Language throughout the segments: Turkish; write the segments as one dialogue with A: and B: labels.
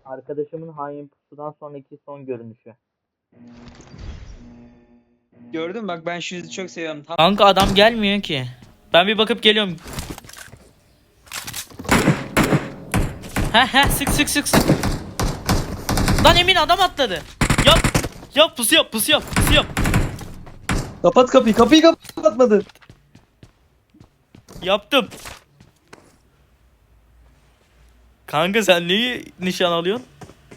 A: Arkadaşımın hain pusudan sonraki son görünüşü.
B: Gördün mü? Bak ben şu yüzü çok seviyorum. Tam
C: Kanka adam gelmiyor ki. Ben bir bakıp geliyorum. He sık sık sık sık. Lan Emin adam atladı. Yap. Yap pusu yap pusu yap pusu yap.
B: kapat kapıyı. Kapıyı kapatmadın.
C: Yaptım. Kanka sen neyi nişan alıyorsun?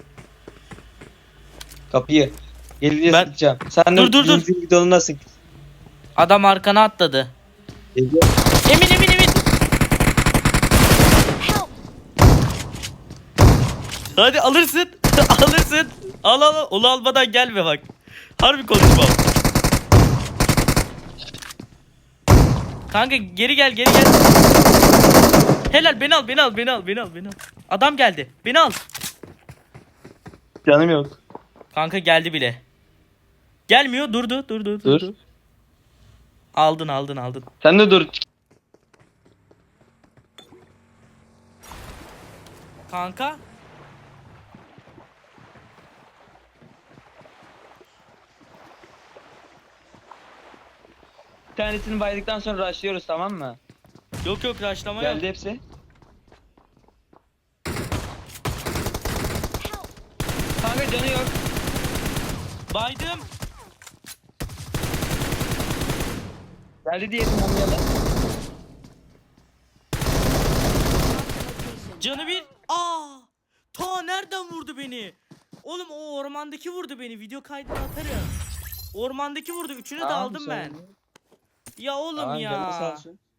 B: Kapıyı. Gelince
C: Ben-
B: sıkacağım. Sen
C: Dur,
B: de
C: dur.
B: zincir videonuna sık.
C: Adam arkana atladı.
B: Geliyor.
C: Emin. Hadi alırsın. Alırsın. Al. Onu almadan gelme bak. Harbi konuşmam. Kanka geri gel. Helal beni al. Adam geldi. Beni al.
B: Canım yok.
C: Kanka geldi bile. Gelmiyor. Durdu.
B: Dur.
C: Aldın.
B: Sen de dur.
C: Kanka.
B: Bir tanesini baydıktan sonra rushlıyoruz, tamam mı?
C: Yok rushlama yok.
B: Geldi hepsi. Kanka canı yok.
C: Baydım.
B: Geldi diyelim mumyalı.
C: Canı bir. Ta nereden vurdu beni? Oğlum o ormandaki vurdu beni. Video kaydını atarım. Ormandaki vurdu. Üçünü de
B: Tamam,
C: aldım ben.
B: sorun yok.
C: Ya oğlum
B: Tamam,
C: ya.
B: canı sağ olsun.